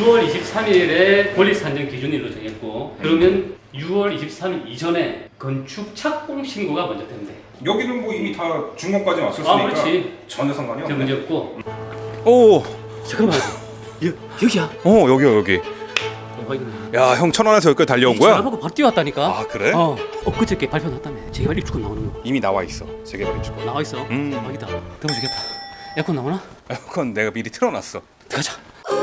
6월 23일에 권리 산정 기준일로 정했고, 그러면 6월 23일 이전에 건축 착공 신고가 먼저 된대. 여기는 뭐 이미 다 준공까지 왔었으니까 그렇지. 전혀 상관이 저 없네. 문제 없고. 오, 잠깐만. 여기야. 여기야 여기. 야, 형 천안에서 여기까지 달려온 거야? 전화하고 바로 뛰어왔다니까. 아, 그래? 그저께 발표 났다며. 재개발 입주권 나오는 거. 이미 나와 있어. 재개발 입주권. 나와 있어. 대박이다. 더워주겠다. 에어컨 나오나? 에어컨 내가 미리 틀어놨어. 들어가자.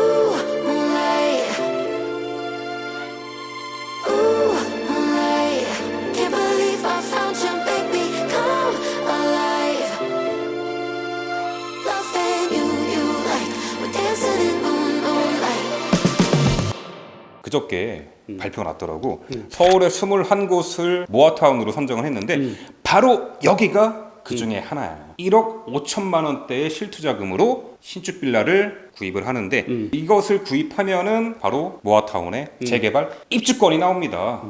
그저께 발표가 났더라고. 서울의 21곳을 모아타운으로 선정을 했는데 바로 여기가 그 중에 하나야. 1억 5천만 원대의 실투자금으로 신축 빌라를 구입을 하는데 이것을 구입하면은 바로 모아타운의 재개발 입주권이 나옵니다.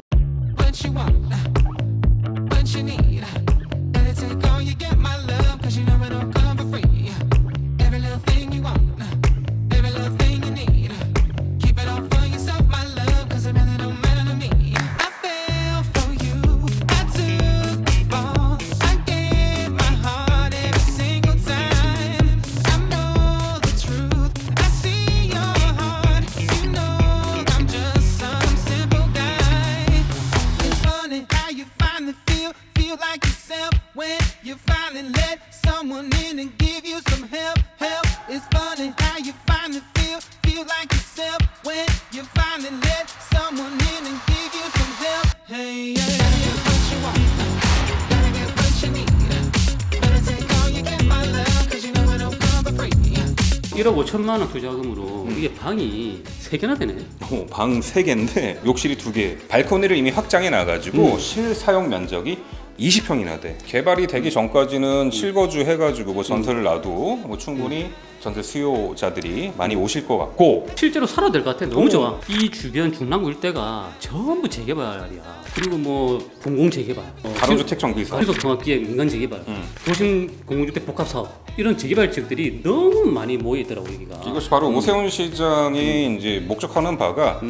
(1억 5천만 원) 투자금으로 이게 방이 3개나 되네. 방 3개인데 욕실이 2개. 발코니를 이미 확장해 놔가지고 실사용 면적이 20평이나 돼. 개발이 되기 전까지는 실거주 해가지고 뭐 전세를 놔도 뭐 충분히 전세 수요자들이 많이 오실 것 같고, 실제로 살아도 될 것 같아. 너무 좋아. 이 주변 중랑구 일대가 전부 재개발이야. 그리고 뭐 공공 재개발, 가로주택 정비사, 신속통합기획 민간 재개발, 도심 공공주택 복합 사업, 이런 재개발 지역들이 너무 많이 모여 있더라고 여기가. 이것이 바로 오세훈 시장이 이제 목적하는 바가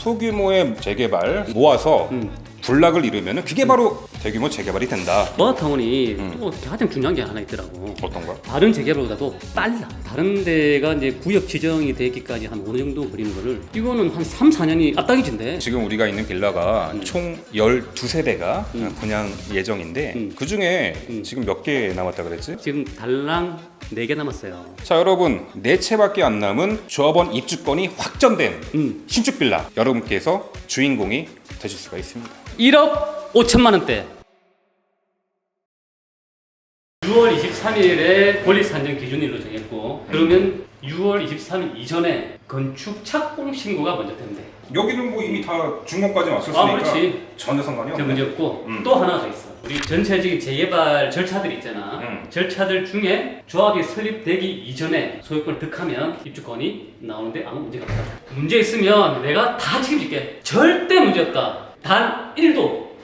소규모의 재개발 모아서 군락을 이루면은 그게 바로 대규모 재개발이 된다. 모아타운이 또 가장 중요한 게 하나 있더라고. 어떤가? 다른 재개발보다도 빨라. 다른 데가 이제 구역 지정이 되기까지 한 어느 정도 걸리는 거를 이거는 한 3, 4년이 앞당겨진대. 지금 우리가 있는 빌라가 총 12세대가 분양 예정인데 그 중에 지금 몇 개 남았다 그랬지? 지금 달랑 4개 남았어요. 자, 여러분, 4채밖에 안 남은 조합원 입주권이 확정된 신축 빌라, 여러분께서 주인공이 되실 수가 있습니다. 1억 5천만 원대. 6월 23일에 권리 산정 기준일로 정했고, 그러면 6월 23일 이전에 건축 착공 신고가 먼저 된대. 여기는 뭐 이미 다 준공까지 왔었으니까 그렇지. 전혀 상관이 저 없네. 문제 없고 또 하나 더 있어. 우리 전체적인 재개발 절차들 있잖아. 절차들 중에 조합이 설립되기 이전에 소유권을 득하면 입주권이 나오는데 아무 문제가 없다. 문제 있으면 내가 다 책임질게. 절대 문제 없다. 단 1도